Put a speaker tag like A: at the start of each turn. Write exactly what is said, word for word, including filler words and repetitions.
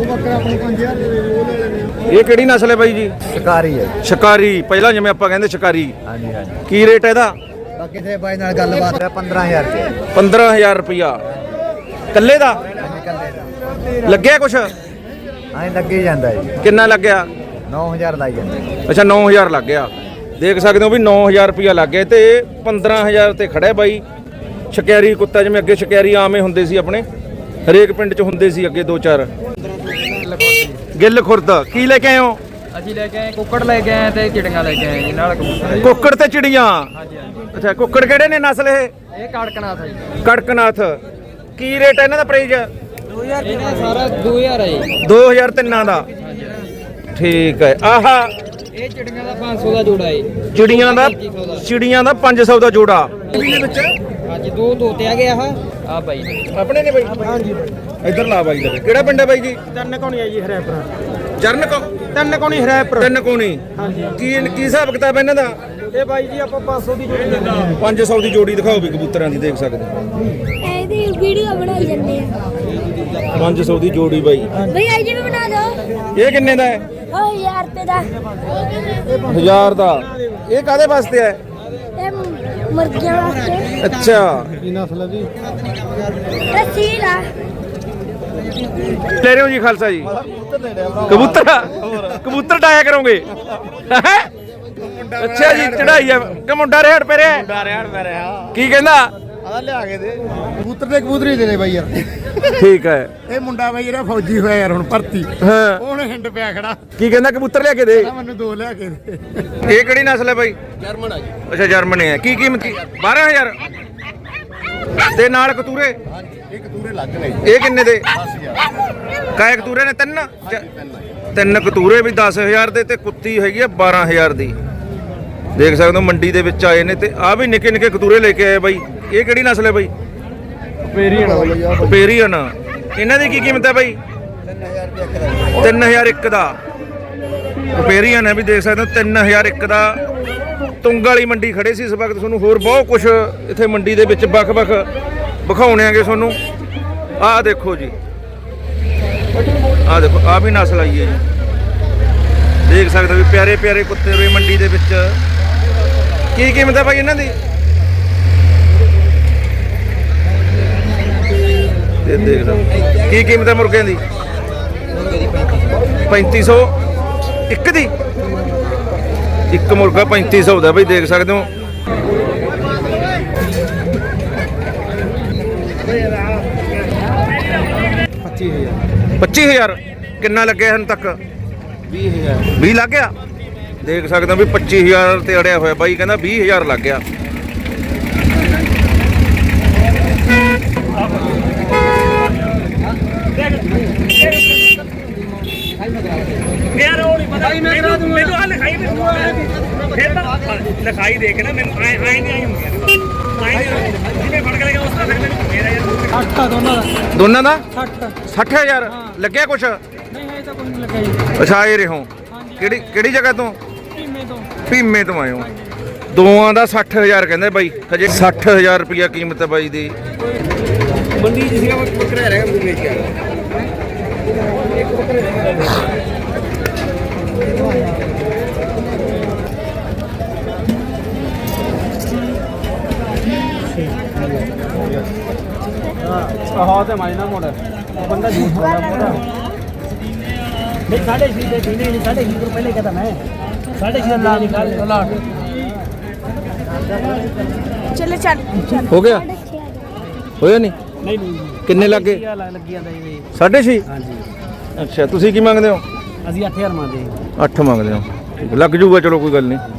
A: ਇਹ ਕਿਹੜੀ ਨਸਲ ਹੈ ਬਾਈ ਜੀ?
B: ਸ਼ਿਕਾਰੀ ਹੈ।
A: ਸ਼ਿਕਾਰੀ ਪਹਿਲਾਂ ਜਿਵੇਂ ਆਪਾਂ ਕਹਿੰਦੇ ਸ਼ਿਕਾਰੀ।
B: ਹਾਂਜੀ ਹਾਂਜੀ।
A: ਕੀ ਰੇਟ ਹੈ ਇਹਦਾ?
B: ਬਾਕੀ ਤੇ ਬਾਈ ਨਾਲ ਗੱਲਬਾਤ ਹੈ ਪੰਦਰਾਂ ਹਜ਼ਾਰ ਰੁਪਏ।
A: ਪੰਦਰਾਂ ਹਜ਼ਾਰ ਰੁਪਇਆ ਕੱਲੇ ਦਾ ਲੱਗਿਆ ਕੁਛ?
B: ਹਾਂ ਲੱਗੇ ਜਾਂਦਾ ਜੀ।
A: ਕਿੰਨਾ ਲੱਗਿਆ?
B: ਨੌ ਹਜ਼ਾਰ ਲਾਈ ਜਾਂਦਾ।
A: ਅੱਛਾ ਨੌ ਹਜ਼ਾਰ ਲੱਗ ਗਿਆ। ਦੇਖ ਸਕਦੇ ਹੋ ਵੀ ਨੌ ਹਜ਼ਾਰ ਰੁਪਇਆ ਲੱਗ ਗਿਆ ਤੇ ਪੰਦਰਾਂ ਹਜ਼ਾਰ ਤੇ ਖੜਾ ਬਾਈ। ਸ਼ਿਕਾਰੀ ਕੁੱਤਾ ਜਿਵੇਂ ਅੱਗੇ ਸ਼ਿਕਾਰੀ ਆਮੇ ਹੁੰਦੇ ਸੀ ਆਪਣੇ ਹਰੇਕ ਪਿੰਡ 'ਚ ਹੁੰਦੇ ਸੀ ਅੱਗੇ ਦੋ ਚਾਰ। ਗਿੱਲ ਖੁਰਦ ਕੀ ਲੈ ਕੇ ਆਏ ਹੋ?
C: ਅਸੀਂ ਲੈ ਕੇ ਆਏ ਕੁੱਕੜ ਲੈ ਕੇ ਆਏ ਤੇ ਚਿੜੀਆਂ ਲੈ ਕੇ ਆਏ ਜੀ ਨਾਲ ਕਬੂਤਰ।
A: ਕੁੱਕੜ ਤੇ ਚਿੜੀਆਂ?
C: ਹਾਂਜੀ ਹਾਂਜੀ।
A: ਅੱਛਾ ਕੁੱਕੜ ਕਿਹੜੇ ਨੇ ਨਸਲ ਇਹ?
C: ਇਹ ਕੜਕਨਾਥ ਹੈ ਜੀ।
A: ਕੜਕਨਾਥ। ਕੀ ਰੇਟ ਹੈ ਇਹਨਾਂ ਦਾ ਪ੍ਰਾਈਸ?
C: ਦੋ ਹਜ਼ਾਰ ਇਹਨਾਂ ਸਾਰਾ ਦੋ ਹਜ਼ਾਰ ਹੈ ਜੀ।
A: ਦੋ ਹਜ਼ਾਰ ਤਿੰਨਾਂ ਦਾ। ਠੀਕ ਹੈ। ਆਹਾ
C: ਇਹ ਚਿੜੀਆਂ ਦਾ ਪੰਜ ਸੌ ਦਾ ਜੋੜਾ ਹੈ।
A: ਚਿੜੀਆਂ ਦਾ ਚਿੜੀਆਂ ਦਾ ਪੰਜ ਸੌ ਦਾ ਜੋੜਾ।
C: ਹਾਂਜੀ ਦੋ ਤੋਤੇ ਆ ਗਏ ਆਹ ਆ ਬਾਈ
A: ਆਪਣੇ ਨੇ ਬਾਈ? ਹਾਂਜੀ। ਇੱਧਰ ਲਾ ਬਾਈ ਦਾ। ਕਿਹੜਾ ਪਿੰਡ ਹੈ ਬਾਈ ਜੀ?
C: ਤਿੰਨ ਕੋਣੀ ਹੈ ਜੀ ਹਰੈਪੁਰਾ।
A: ਜਰਨ ਕੋ
C: ਤਿੰਨ ਕੋਣੀ ਹਰੈਪੁਰਾ।
A: ਤਿੰਨ ਕੋਣੀ।
C: ਹਾਂਜੀ।
A: ਕੀ ਕੀ ਹਿਸਾਬ ਕਿਤਾਬ ਇਹਨਾਂ ਦਾ?
C: ਇਹ ਬਾਈ ਜੀ ਆਪਾਂ ਪੰਜ ਸੌ ਦੀ ਜੋੜੀ ਦਿੰਦੇ ਹਾਂ।
A: ਪੰਜ ਸੌ ਦੀ ਜੋੜੀ ਦਿਖਾਓ ਵੀ ਕਬੂਤਰਾਂ ਦੀ। ਦੇਖ ਸਕਦੇ
D: ਇਹਦੀ ਵੀਡੀਓ ਬਣਾਈ ਜਾਂਦੇ ਆ।
A: ਪੰਜ ਸੌ ਦੀ ਜੋੜੀ ਬਾਈ।
D: ਬਈ ਆਈ ਜੀ ਵੀ ਬਣਾ ਦਿਓ।
A: ਇਹ ਕਿੰਨੇ ਦਾ ਹੈ?
D: ਉਹ ਹਜ਼ਾਰ ਰੁਪਏ ਦਾ।
A: ਹਜ਼ਾਰ ਦਾ। ਇਹ ਕਾਦੇ ਵਾਸਤੇ ਹੈ?
D: ਇਹ ਮੁਰਗੀਆਂ ਵਾਸਤੇ।
A: ਅੱਛਾ
C: ਕੀ ਨਸਲ ਹੈ ਜੀ?
D: ਇਹ ਸੀਲ ਆ।
A: ਲੈ ਰਹੇ ਹੋ ਜੀ ਖਾਲਸਾ ਜੀ? ਕਬੂਤਰ ਕਬੂਤਰ ਡਾਇਆ ਕਰੋਗੇ? ਅੱਛਾ ਜੀ ਚੜਾਈ ਆ ਕਿ ਮੁੰਡਾ ਰੇੜ ਪੇ ਰਿਹਾ?
B: ਮੁੰਡਾ ਰਿਆੜ ਪੈ ਰਿਹਾ।
A: ਕੀ ਕਹਿੰਦਾ?
B: ਆਦਾ ਲਿਆ ਕੇ ਦੇ ਕਬੂਤਰ ਦੇ ਕਬੂਤਰ ਹੀ ਦੇ ਦੇ ਬਾਈ ਯਾਰ।
A: ਠੀਕ ਹੈ।
B: ਇਹ ਮੁੰਡਾ ਬਾਈ ਜਿਹੜਾ ਫੌਜੀ ਹੋਇਆ ਯਾਰ ਹੁਣ ਭਰਤੀ।
A: ਹਾਂ
B: ਉਹਨੇ ਹਿੰਡ ਪਿਆ ਖੜਾ।
A: ਕੀ ਕਹਿੰਦਾ? ਕਬੂਤਰ ਲਿਆ ਕੇ ਦੇ।
B: ਮੈਨੂੰ ਦੋ ਲਿਆ ਕੇ ਦੇ।
A: ਇਹ ਕਿਹੜੀ ਨਸਲ ਹੈ ਬਾਈ?
B: ਜਰਮਨ ਆ ਜੀ।
A: ਅੱਛਾ ਜਰਮਨ ਹੈ। ਕੀ ਕੀਮਤ? ਬਾਰਾਂ ਹਜ਼ਾਰ ਤੇ ਨਾਲ ਕਤੂਰੇ?
B: ਹਾਂਜੀ ਇਹ ਕਤੂਰੇ ਲੱਗ ਨੇ।
A: ਇਹ ਕਿੰਨੇ ਦੇ?
B: ਦਸ ਹਜ਼ਾਰ।
A: ਕਾਇ ਕਤੂਰੇ ਨੇ? ਤਿੰਨ ਤਿੰਨ ਕਤੂਰੇ ਵੀ ਦਸ ਹਜ਼ਾਰ ਦੇ ਤੇ ਕੁੱਤੀ ਹੈਗੀ ਆ ਬਾਰਾਂ ਹਜ਼ਾਰ ਦੀ। ਦੇਖ ਸਕਦੇ ਹੋ ਮੰਡੀ ਦੇ ਵਿੱਚ ਆਏ ਨੇ ਤੇ ਆ ਵੀ ਨਿੱਕੇ ਨਿੱਕੇ ਕਤੂਰੇ ਲੈ ਕੇ ਆਏ ਬਾਈ। ਇਹ ਕਿਹੜੀ ਨਸਲ ਹੈ ਬਾਈ?
C: ਪੇਰੀਅਨ ਬਾਈ।
A: ਪੇਰੀਅਨ। ਇਹਨਾਂ ਦੀ ਕੀ ਕੀਮਤ ਹੈ ਬਾਈ? ਤਿੰਨ ਹਜ਼ਾਰ ਇੱਕ ਦਾ। ਪੇਰੀਅਨ ਹੈ ਵੀ ਦੇਖ ਸਕਦੇ ਹੋ ਤਿੰਨ ਹਜ਼ਾਰ ਇੱਕ ਦਾ। ਤੁੰਗ ਵਾਲੀ ਮੰਡੀ ਖੜੇ ਸੀ ਇਸ ਵਕਤ। ਤੁਹਾਨੂੰ ਹੋਰ ਬਹੁਤ ਕੁਝ ਇੱਥੇ ਮੰਡੀ ਦੇ ਵਿੱਚ ਵੱਖ ਵੱਖ ਵਿਖਾਉਣੇਗੇ ਤੁਹਾਨੂੰ। ਆਹ ਦੇਖੋ ਜੀ, ਆਹ ਦੇਖੋ ਆਹ ਵੀ ਨਸਲ ਆਈ ਹੈ ਜੀ। ਦੇਖ ਸਕਦੇ ਹੋ ਵੀ ਪਿਆਰੇ ਪਿਆਰੇ ਕੁੱਤੇ ਵੀ ਮੰਡੀ ਦੇ ਵਿੱਚ। ਕੀ ਕੀਮਤ ਹੈ ਭਾਈ ਇਹਨਾਂ ਦੀ? ਇਹ ਦੇਖ ਲਓ ਕੀ ਕੀਮਤ ਹੈ ਮੁਰਗਿਆਂ ਦੀ? ਪੈਂਤੀ ਸੌ ਇੱਕ ਦੀ। ਇੱਕ ਮੁਰਗਾ ਪੈਂਤੀ ਸੌ ਦਾ ਬਈ। ਦੇਖ ਸਕਦੇ ਹੋ
C: ਪੱਚੀ ਹਜ਼ਾਰ।
A: ਪੱਚੀ ਹਜ਼ਾਰ। ਕਿੰਨਾ ਲੱਗਿਆ ਹੁਣ ਤੱਕ?
C: ਵੀਹ ਹਜ਼ਾਰ।
A: ਵੀਹ ਲੱਗ ਗਿਆ। ਦੇਖ ਸਕਦੇ ਹੋ ਵੀ ਪੱਚੀ ਹਜ਼ਾਰ ਤੇ ਅੜਿਆ ਹੋਇਆ ਬਾਈ ਕਹਿੰਦਾ ਵੀਹ ਹਜ਼ਾਰ ਲੱਗ ਗਿਆ।
E: ਯਾਰ ਉਹ ਨਹੀਂ ਪਤਾ ਮੈਨੂੰ ਮੈਨੂੰ ਆ ਲਿਖਾਈ ਦੇ ਫਿਰ ਤਾਂ ਲਿਖਾਈ ਦੇ ਕੇ ਨਾ ਮੈਨੂੰ ਆਏ ਆਏ ਨਹੀਂ ਆਈ ਹੁੰਦੀ ਆਏ ਜਿਵੇਂ ਫੜ ਕੇ ਲੈ ਗਿਆ ਉਸ ਤਰ੍ਹਾਂ ਫਿਰ ਮੈਨੂੰ ਮੇਰਾ ਯਾਰ
C: ਸੱਠ ਦੋਨਾਂ ਦਾ।
A: ਦੋਨਾਂ ਦਾ
C: ਸੱਠ।
A: ਸੱਠ ਹਜ਼ਾਰ ਲੱਗਿਆ ਕੁਛ?
C: ਨਹੀਂ ਹੈ ਤਾਂ ਕੋਈ ਨਹੀਂ ਲੱਗਾ ਜੀ।
A: ਅੱਛਾ ਆਏ ਰਹੋ। ਕਿਹੜੀ ਕਿਹੜੀ ਜਗ੍ਹਾ ਤੋਂ?
C: ਭੀਮੇ ਤੋਂ।
A: ਭੀਮੇ ਤੋਂ ਆਏ ਹੋ। ਦੋਆਂ ਦਾ ਸੱਠ ਹਜ਼ਾਰ ਕਹਿੰਦੇ ਬਾਈ। ਹਜੇ ਸੱਠ ਹਜ਼ਾਰ ਰੁਪਇਆ ਕੀਮਤ ਹੈ ਬਾਈ ਦੀ।
B: ਮੰਡੀ ਜਿਸ ਦਾ ਬੱਕਰਾ ਰਹਿ ਗਿਆ ਮੈਨੂੰ ਵੇਚ ਕੇ
C: ਹਾਂ ਤੇ ਮਾਇਨਾ ਮੋੜ ਬੰਦਾ ਝੂਠ ਬੋਲਦਾ ਪੂਰਾ। ਨਹੀਂ ਸਾਢੇ ਛੇ ਦੇ ਦਿਨੇ ਨਹੀਂ ਸਾਢੇ ਛੇ ਤੋਂ ਪਹਿਲੇ ਕਹਤਾ ਮੈਂ ਸਾਢੇ ਛੇ ਦਾ ਨਿਕਾਲ ਲਾ।
D: ਚਲੋ ਚੱਲ
A: ਹੋ ਗਿਆ? ਹੋਇਆ ਨਹੀਂ?
C: ਨਹੀਂ ਨਹੀਂ
A: ਕਿੰਨੇ ਲੱਗੇ?
C: ਲੱਗੀ ਜਾਂਦਾ ਜੀ।
A: ਸਾਢੇ ਛੇ।
C: ਹਾਂਜੀ
A: ਅੱਛਾ ਤੁਸੀਂ ਕੀ ਮੰਗਦੇ ਹੋ?
C: ਅਸੀਂ ਅੱਠ ਹਜ਼ਾਰ ਮੰਗਦੇ
A: ਅੱਠ ਮੰਗਦੇ ਹੋ। ਲੱਗ ਜੂਗਾ ਚਲੋ ਕੋਈ ਗੱਲ ਨਹੀਂ।